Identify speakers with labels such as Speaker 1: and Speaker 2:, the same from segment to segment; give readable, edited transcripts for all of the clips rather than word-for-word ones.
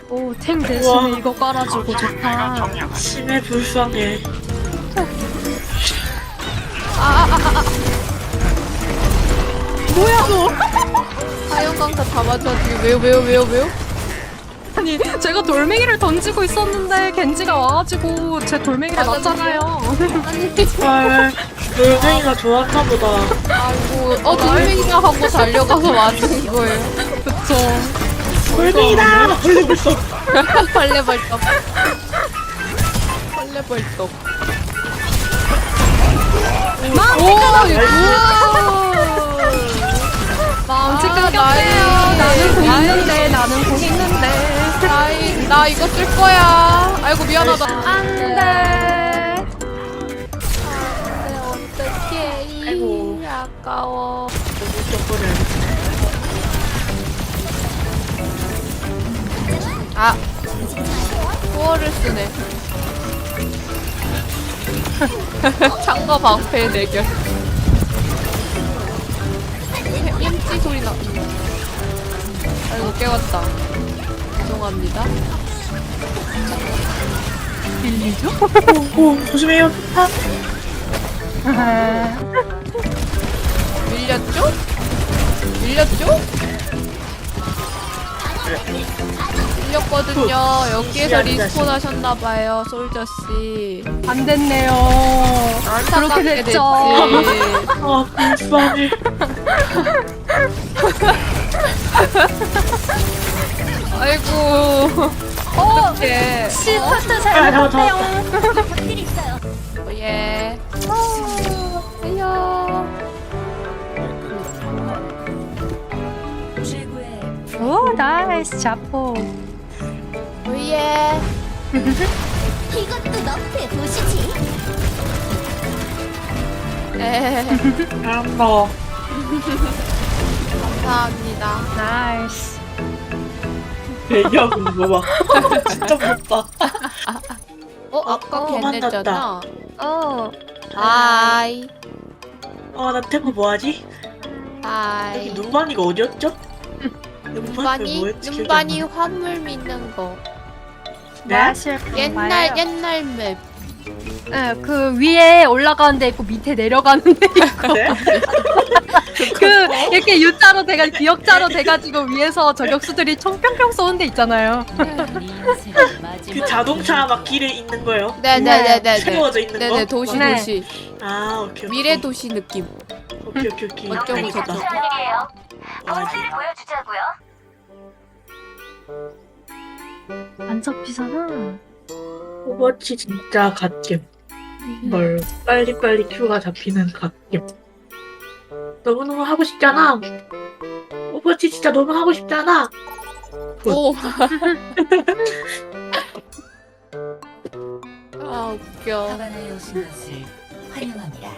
Speaker 1: 오, 탱 대신에
Speaker 2: 우와.
Speaker 1: 이거 깔아주고 좋다.
Speaker 2: 심해 불쌍해.
Speaker 1: 뭐야 너?
Speaker 3: 하영강타 다 맞아. 왜요?
Speaker 1: 아니 제가 돌멩이를 던지고 있었는데 겐지가 와가지고 제 돌멩이를 맞잖아요.
Speaker 2: 헐, 돌멩이가 좋았나 보다.
Speaker 3: 아이고, 돌멩이가 하고 달려가서 맞은 거예요.
Speaker 1: 그쵸.
Speaker 2: 돌멩이다! 벌레 벌써.
Speaker 3: 벌레벌떡. 벌레벌떡.
Speaker 1: 마음치
Speaker 3: 아,
Speaker 1: 끊겼대요. 나는 공
Speaker 3: 나이.
Speaker 1: 있는데 나는 공 있는데.
Speaker 3: 나 이거 쓸 거야. 아이고, 미안하다.
Speaker 1: 안돼.
Speaker 3: 어떡해.
Speaker 2: 아이고.
Speaker 3: 아까워. 아, 코어를 쓰네. 창거 방패 대결. 햄찌 소리 나. 아이고, 깨웠다. 죄송합니다.
Speaker 1: 빌리죠?
Speaker 2: 오, 조심해요.
Speaker 3: 밀렸죠? 밀렸죠? 밀렸거든요. 여기에서 리스폰 하셨나봐요, 솔저씨.
Speaker 1: 안 됐네요. 그렇게
Speaker 3: 안타깝게
Speaker 1: 됐죠.
Speaker 2: 아, 불쌍해.
Speaker 3: 아이고. 어떡해.
Speaker 1: 시스트
Speaker 2: 아,
Speaker 1: 잘못했대요.
Speaker 3: 예. 아야.
Speaker 1: 오 나이스 자포.
Speaker 3: 예.
Speaker 4: 이것도 너프의 도시지.
Speaker 3: 에.
Speaker 2: 잘한다.
Speaker 3: 감사합니다.
Speaker 1: 나이스.
Speaker 2: 얘기하고 있는 거 봐. 진짜 무섭다.
Speaker 3: 아까 걔네잖아.
Speaker 1: 어.
Speaker 3: 하이.
Speaker 2: 나 태코 뭐하지?
Speaker 3: 하이.
Speaker 2: 여기 눈반이가 어디였죠?
Speaker 3: 눈반이 화물 믿는 거.
Speaker 2: 네?
Speaker 1: 마실
Speaker 3: 옛날 맵.
Speaker 1: 네, 그 위에 올라가는 데 있고 밑에 내려가는 데 있고
Speaker 2: 네?
Speaker 1: 그 이렇게 U자로 돼가지고 기역자로 돼가지고 위에서 저격수들이 총 뿅뿅 쏘는 데 있잖아요.
Speaker 2: 그 자동차 막 길에 있는 거요?
Speaker 3: 네네네네.
Speaker 2: 세워져 있는
Speaker 3: 네네,
Speaker 2: 거?
Speaker 3: 도시
Speaker 1: 네.
Speaker 3: 도시.
Speaker 2: 아, 오케이.
Speaker 3: 미래 도시 느낌.
Speaker 2: 오케이.
Speaker 3: 어쩌고
Speaker 2: 알겠다.
Speaker 3: 저쩌고.
Speaker 2: 아직.
Speaker 4: 보여주자고요.
Speaker 1: 안 잡히잖아.
Speaker 2: 오버워치 진짜 갓겜. 뭘 빨리빨리 큐가 잡히는 갓겜. 너무너무 하고 싶잖아. 오버워치 진짜 너무 하고 싶잖아.
Speaker 3: 오. 아 웃겨.
Speaker 4: 하바나에 오신 것을 환영합니다.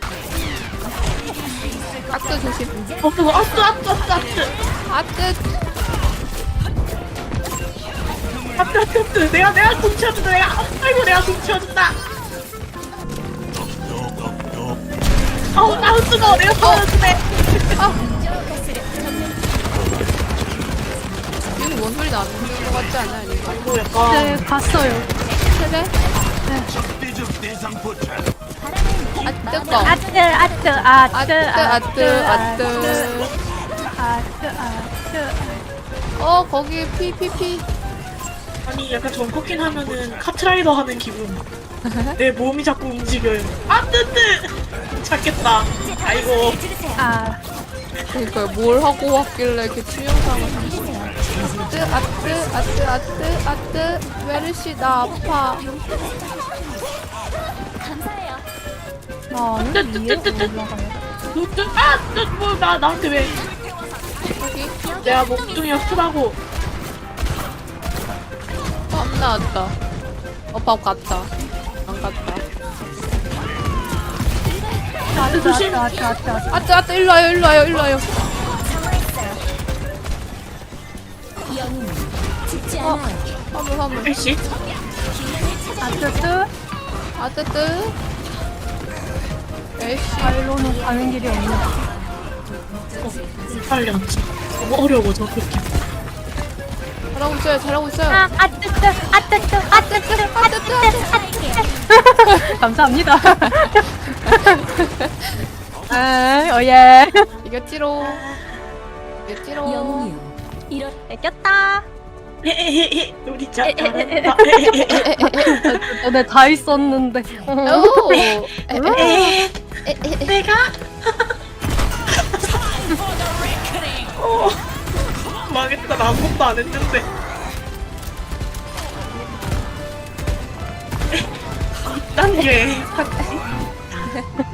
Speaker 3: 아트 조심.
Speaker 2: 그거 아뜨.
Speaker 3: 아트.
Speaker 2: 내가 공 치워준다. 아이고 내가 공 치워준다. 나 뜨거워. 내가 도와주네.
Speaker 3: 여기 뭔 소리 나는 거 같지 않아? 이거.
Speaker 2: 아이고 약간.
Speaker 1: 네, 갔어요.
Speaker 3: 그래? 아 뜨거. 아트. 거기 피피피.
Speaker 2: 아니 약간 전코킨 하면은 카트라이더 하는 기분. 내 몸이 자꾸 움직여요. 뜨. 찾겠다. 아이고.
Speaker 3: 그러니까 뭘 하고 왔길래 이렇게 치명상을 한 거야. 아트. 메르시 나 아파.
Speaker 4: 감사해요.
Speaker 2: 나한테 왜?
Speaker 3: 여기
Speaker 2: 내가 목둥이 아프다고.
Speaker 3: 밥 나왔다. 밥 갔다. 안 갔다.
Speaker 2: 조심.
Speaker 3: 아트 일로 와요.
Speaker 4: 영웅 죽지 않아요.
Speaker 3: 화물.
Speaker 2: 일시.
Speaker 3: 아뜨뜨. 에이씨.
Speaker 1: 발로는 가는 길이 없네.
Speaker 2: 빨리 앉자. 너무 어려워 저렇게.
Speaker 3: 잘하고 있어요. 잘하고 있어요.
Speaker 1: 감사합니다. 아, 오예.
Speaker 3: 이겼지로. 이겼지로.
Speaker 4: 영웅이요. 이런
Speaker 1: 이겼다.
Speaker 2: 헤헤헤헤 우리 자 잘한다.
Speaker 1: 너네 다 있었는데.
Speaker 3: 오.
Speaker 2: 에헤헤. 내가 망했다. 나 아무것도 안 했는데. 난 왜?